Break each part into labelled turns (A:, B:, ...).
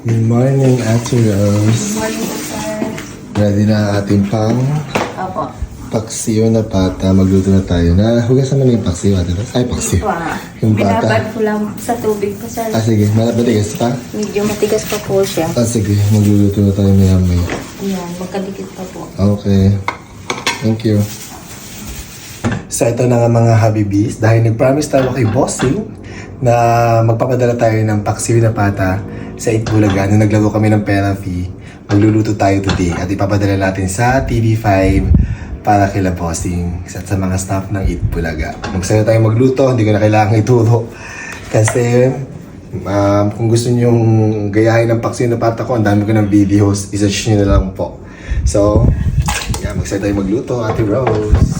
A: Good morning, Ate Rose.
B: Good morning po, sir.
A: Ready na ang ating pang
B: Opo.
A: paksiw na pata. Magluto na tayo. Hugasan mo na yung paksiw, Ate Rose. Ay, paksiw.
B: Ito ah.
A: Yung pata.
B: Binabad ko lang sa tubig po, sir.
A: Sige. Matigas pa?
B: Medyo matigas pa po siya.
A: Sige. Magluluto na tayo maya-maya.
B: Ayan, magkadikit pa po.
A: Okay. Thank you. So, ito na nga mga Habibis. Dahil nag-promise tayo kay Bossing na magpapadala tayo ng paksiw na pata sa Itbulaga. Nung naglaro kami ng pera fee, magluluto tayo today at ipapadala natin sa TV5 para kila Bossing at sa mga staff ng Itbulaga. Magsaya tayo magluto, hindi ko na kailangan ituro. Kasi kung gusto nyong gayahin ng paksiw na pata ko, ang dami ko ng videos, isa-search nyo na lang po. So, magsaya tayo magluto, Ate Rose.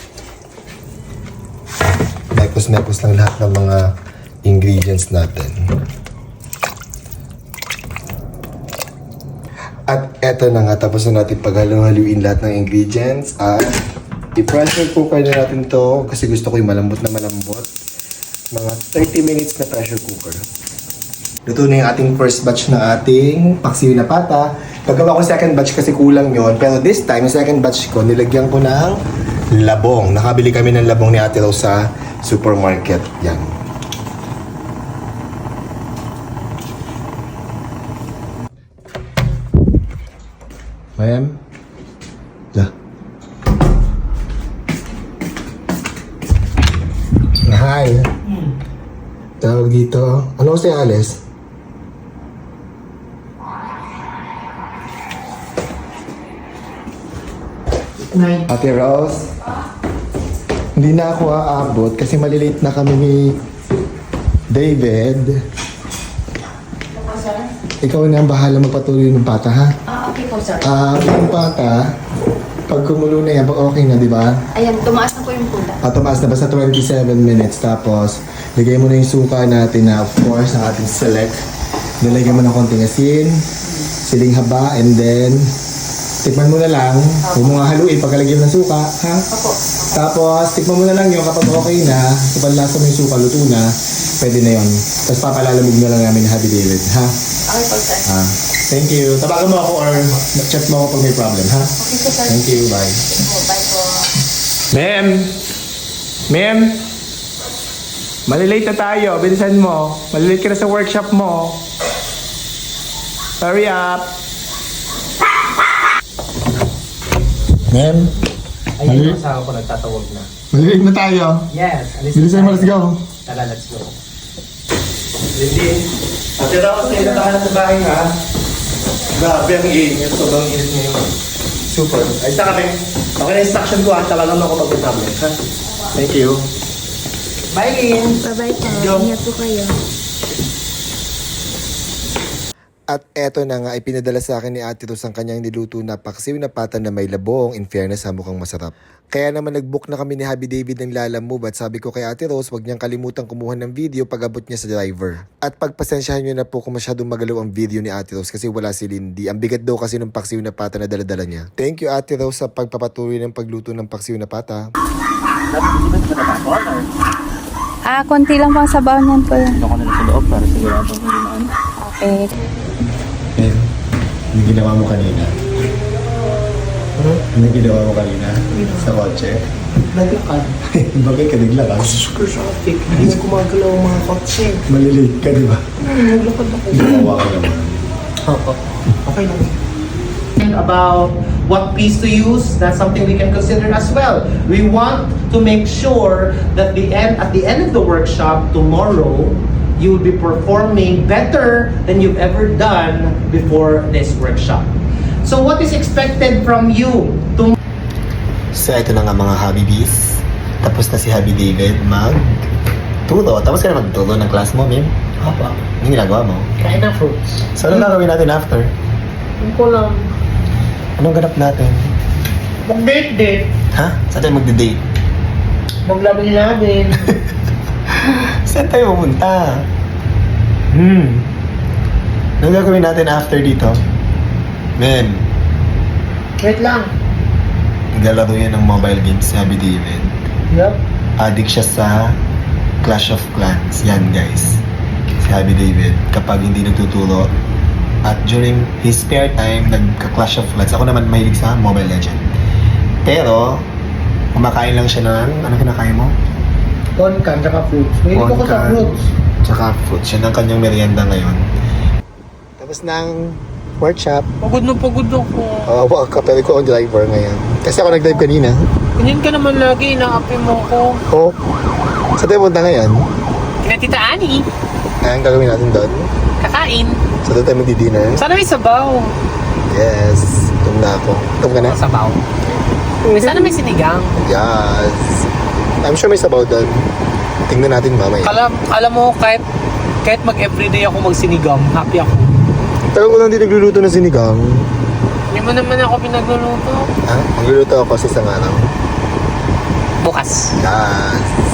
A: Mepos lang lahat ng mga ingredients natin. At eto na nga, tapos na natin paghalo-haluin lahat ng ingredients. At i-pressure cooker na natin to kasi gusto ko yung malambot na malambot. Mga 30 minutes na pressure cooker. Luto na yung ating first batch na ating paksiw na pata. Paggawa ko second batch kasi kulang yon. Pero this time, yung second batch ko, nilagyan ko ng labong. Nakabili kami ng labong ni Ate Rose sa supermarket. Yan. Mayam? La. Hi. Tawag dito. Ano si Alice? Ate Rose? Hindi na ako aabot kasi malilate na kami ni David.
B: Opo, sir.
A: Ikaw na ang bahala magpatuloy ng pata, ha?
B: Okay po, sir.
A: Yung pata, pag kumulo na yan, okay na, di ba?
B: Ayan, tumaas na po yung pula.
A: Tumaas na basta 27 minutes. Tapos, lagay mo na yung suka natin na, of course, ang ating select. Nilagay mo ng konting asin, siling haba, and then, tikman mo na lang. Huwag mo nga haluin pagkalagyan ng suka, ha?
B: Opo.
A: Tapos, tikman mo na lang yun kapag okay na, kapag lasa mo yung suka, luto na, pwede na yun. Tapos papalalamig na lang namin Happy David, ha?
B: Okay po, sir.
A: Thank you. Tabagan mo ako or chat mo ako pag may problem, ha?
B: Okay po, sir.
A: Thank you, bye.
B: Po, bye po.
C: Ma'am! Ma'am! Malilate na tayo. Bilisan mo. Malilate ka na sa workshop mo. Hurry up!
A: Ma'am,
D: Ayun yung asawa ko nagtatawag na.
A: malilate na tayo.
D: Yes, alis
A: Bilisan mo,
D: tayo.
A: let's go.
D: Tara, let's go. Lindy, Ate Rose, kayo na tayo sa bahay ha. Grabe ang init. Sobrang init ngayon. Super. Ayos na kami. Okay na instruction ko ha. Tawagan mo ako pag may problem ha. Thank you. Bye, Lynn.
B: Bye-bye po.
D: Yo.
B: Ingat po kayo.
A: At eto na nga, ipinadala sa akin ni Ate Rose ang kanyang niluto na paksiw na pata na may labong. In fairness, mukhang masarap. Kaya naman nag-book na kami ni Happy David ng Lalamove at sabi ko kay Ate Rose, wag niyang kalimutan kumuha ng video pag abot niya sa driver. At pagpasensyahan niyo na po kung masyadong magalaw ang video ni Ate Rose kasi wala si Lindy. Ang bigat daw kasi ng paksiw na pata na daladala niya. Thank you Ate Rose sa pagpapatuloy ng pagluto ng paksiw na pata.
B: Konti lang pang sabaw niyan po yan.
D: Ako na sa loob para sigurado hindi na ano.
B: Okay.
A: Yung ginawa mo kanina. Ano ginawa mo kanina? Sa kotse?
D: Naglakad.
A: Bagay ka naglakad.
D: Super traffic. Hindi na gumagalaw ang mga kotse.
A: Malilate ka, di ba?
D: Naglakad ako.
A: Gumawa ka naman.
D: Opo. Okay lang. About what piece to use, that's something we can consider as well. We want to make sure that at the end of the workshop tomorrow, you will be performing better than you've ever done before this workshop. So what is expected from you to
A: So, ito na nga mga Habibis. Tapos na si Happy David mag-turo. Tapos ka na mag-turo ng class mo, Mim?
D: Apa?
A: Anong ginagawa mo?
D: Kain ng fruits.
A: So, ano gagawin natin after?
D: Hindi ko lang.
A: Anong ganap natin?
D: Mag-date-date.
A: Ha? Saan tayo magde-date?
D: Maglabi-labin.
A: Saan tayo pupunta? Anong gagawin natin after dito? Mim,
D: Wait lang.
A: naglalaro yan ng mobile games si Happy David.
D: Yup.
A: Addict siya sa Clash of Clans. Yan guys. Si Happy David, kapag hindi nagtuturo, At during his spare time, nagka-Clash of Clans. Ako naman mahilig sa Mobile Legend. Pero, kumakain lang siya ng, ano kinakain mo?
D: Onkan, tsaka fruits. May ko sa
A: Onkan,
D: fruits.
A: Tsaka fruits. Yan ang kanyang merienda ngayon. Tapos ng workshop.
C: Pagod na pagod ako.
A: Oo, kapel ko ang driver ngayon. Kasi ako nag-drive kanina.
C: Ganyan ka naman lagi, inaapi mo ko.
A: Oo. Saan tayo punta ngayon?
C: Kina Tita Ani,
A: Ang gagawin natin doon?
C: kakain.
A: So doon tayo magdi-dinner?
C: Sana may sabaw.
A: Yes. Tum na ako. Tum ka na?
C: Sabaw. Sana may sinigang.
A: Yes. I'm sure may sabaw doon. Tingnan natin mamaya.
C: Alam mo, kahit mag-everyday ako magsinigang, happy ako.
A: Pero kung hindi nagluluto ng sinigang,
C: Hindi mo naman ako pinagluluto.
A: magluluto ako sa isang araw.
C: Bukas.
A: Yes.